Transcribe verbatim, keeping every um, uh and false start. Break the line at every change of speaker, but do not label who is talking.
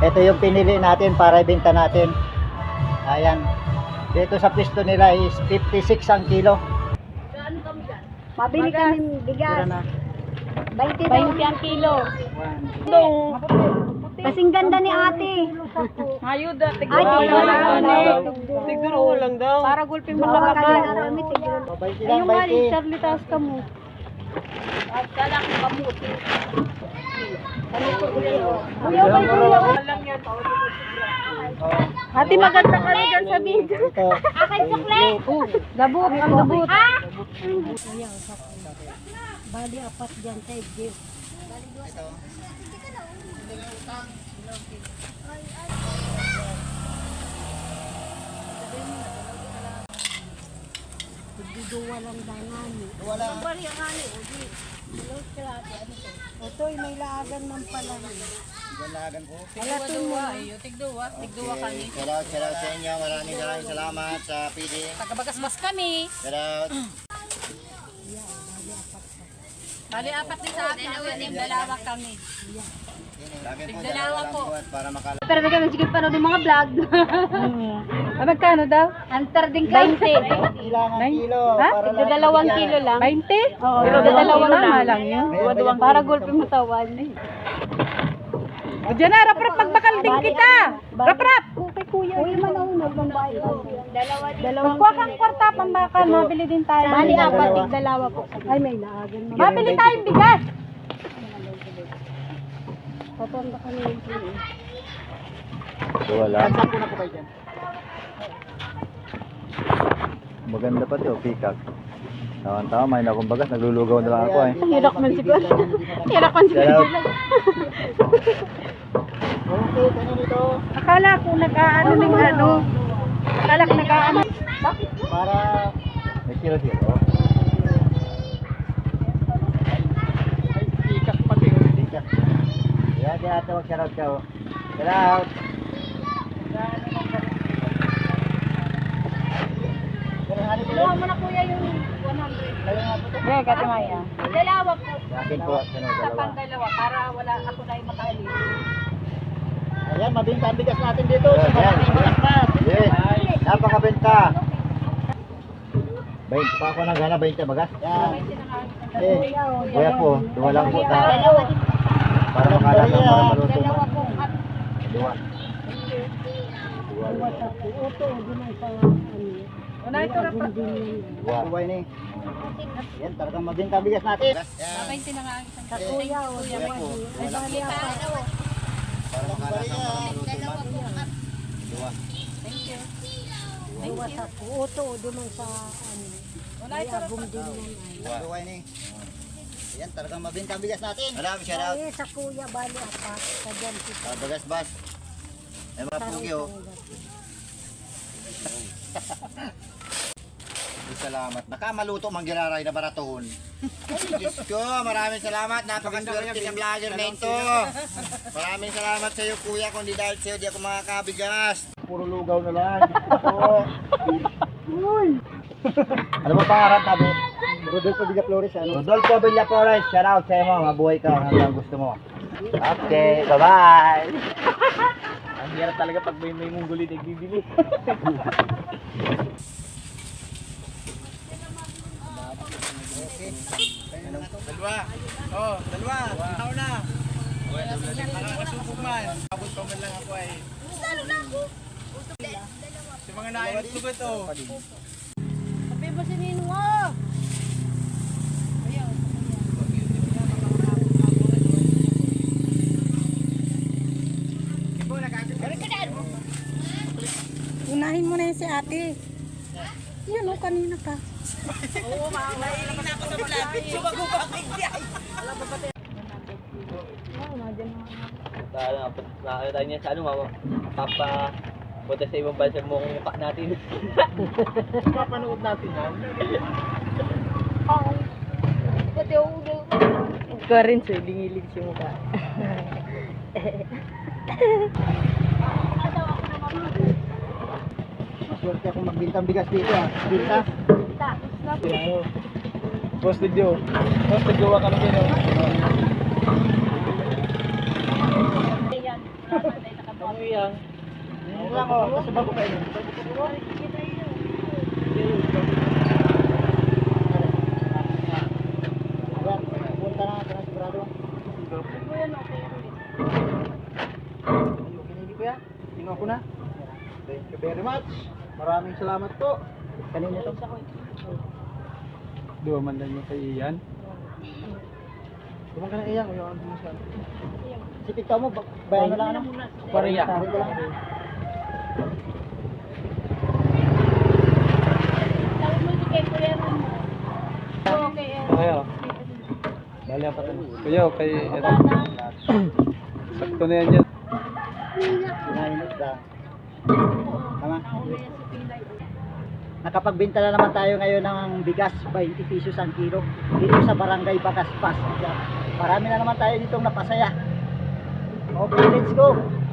Ito yung pinili natin para ibenta natin. Ayan. Dito sa pisto nila is fifty-six ang kilo.
Mabili kami bigas.
Tira na.
twenty ang kilo. Kasing ganda ni ate.
Ayuda,
Ay, tignan.
tiguro lang daw. Para gulping mo lang
Baka
ako.
naramit, tignan.
twenty
Ayun
lang,
nga,
twenty.
Charlie, taas ka mo.
At kala ko kamuti.
Kuya, kay kuya. Lang yan. Ate, maganda ka rin dyan sa video.
Ito.
Akin sukle.
Dabot, ang dabot.
Ha?
Bali, apat dyan sa Egypt.
Duwa lang danan.
Wala.
Bari ang ani, odi. Ito ay may laagan man pala.
Ganagan po.
Alatin mo. Tigduwa, tigduwa kami.
Shout out, shout out sa inyo. Maraming maraming salamat sa P D.
Tagabagasbas kami.
Shout out.
Bali, apat din sa akin. Dalawa kami.
Lagi po
Dalawa po.
para makala.
Pero may kami sige pa ng mga vlog.
Ah, magkano daw?
Antar din ka. twenty.
Ilang ang kilo.
Ha?
Para
Tigda dalawang kilo lang.
twenty?
Oo,
Pero
tigda
dalawang
dalawang
lang yun.
Duwa-duwang
Para gulping matawan.
O dyan na, rap-rap, pagbakal din kita. Rap-rap.
Kay kuya. Kuya man ako nagmambayad. Dalawa din. Dalawang
Magkuha kang kwarta, pambakal. Mabili din tayo.
Bali apat, tig dalawa po. Ay may laagan man.
Mabili tayong bigas.
Patonda kami yung kuya.
Wala.
Saan po na po kayo dyan?
Maganda pa to, peacock. Tama-tama, may na akong bagas, naglulugaw na lang ako eh.
Hirak man siguro. Hirak man
Shout out.
Okay, ano dito?
Akala ko nag-aano ng ano. Akala ko nag-aano.
Para
May kilo zero.
ikas pati. Ikas. Yan, yan ate, mag shout out ka. oh. Shout out. Pero ano po?
Dalawa mo na kuya yung one hundred.
Dalawa nga po to.
Eh, katimaya.
Dalawa po.
Akin po, ano,
Sa
dalawa.
pang dalawa, para wala ako na yung makali.
Ayan, mabinta ang bigas natin dito. Sa
Ayan.
maraming bigas.
Yes, napakabenta. Bayin pa ako ng gana, bayin bagas.
Yan.
Eh, kuya po, duwa lang po ta.
Dalawa din.
Para makala ng para maluto.
Dalawa po.
Duwa. Duwa.
Ito, di man sa ano.
Una ito, rap-rap.
Duwa.
Buhay ni. Yan, talagang mabinta ang bigas natin. Yan.
twenty na nga ang isang
Sa kuya, o
Kuya po.
Ay, bali apat.
Para makala ng para maluto. Duwa.
Dalawa sa uto, di man sa ano.
Una ito,
Agong din yan ay.
Duwa.
Buhay ni. Yan, talagang mabinta ang bigas natin.
Maraming shout out.
Eh, sa kuya, bali apat. Sa dyan, si
Ah, bagas bas. Ay mga pugi oh. Salamat. Nakamaluto mang giraray na baratohon. Ay, Diyos ko, maraming salamat. Napakaswerte ng vlogger na ito. Maraming salamat sa iyo, kuya. Kung di dahil sa iyo, di ako makakabigas. Puro lugaw na lang. Oo. Ano ba pangarap tabi?
Rodolfo Villa Flores, ano?
Rodolfo Villa Flores, shout out sa iyo mo. Mabuhay ka hanggang gusto mo. Okay, bye-bye.
Ang hirap talaga pag may may mungguli na bibili.
Dalawa. Oh, dalawa. Ako na. Nakakasubog man. Abot pa man lang ako ay. Sa mga naayos ko ba ito?
Sabi ba si Nino mo?
Unahin mo na yun si ate. Yan o, kanina ka.
Nakakita tayo niya sa ano, mama. Papa, punta sa ibang bansa mo kung mukha natin.
Papanood natin yan.
Pati ulo.
Ikaw rin, sir. Lingilig si mukha.
Maswerte akong magbinta ang bigas dito ah. Binta.
Posted yun. Posted yun ka namin. Kamu yang.
Yun lang oh, kasi bago kayo. Ayan, punta na natin ang sigurado.
Hindi ko yan. Tingnan ko na. Thank you very much. Maraming salamat po.
Kanina to.
Dua man lang yung kay Ian. Dumang ka na Ian. Ayaw ang bumusal.
Si Pito mo, ba- bayan mo lang ano?
Korea.
Sabi ko lang.
Tawag mo si kay Kuya Ron. Okay.
Kaya. Bali ang patan. Kuya, kay ito. Sakto na yan yan.
Sinainit lang. Tama. Nakapagbenta na naman tayo ngayon ng bigas, twenty pesos ang kilo. Dito sa Barangay Bagaspas. Marami na naman tayo ditong napasaya. Okay, let's go.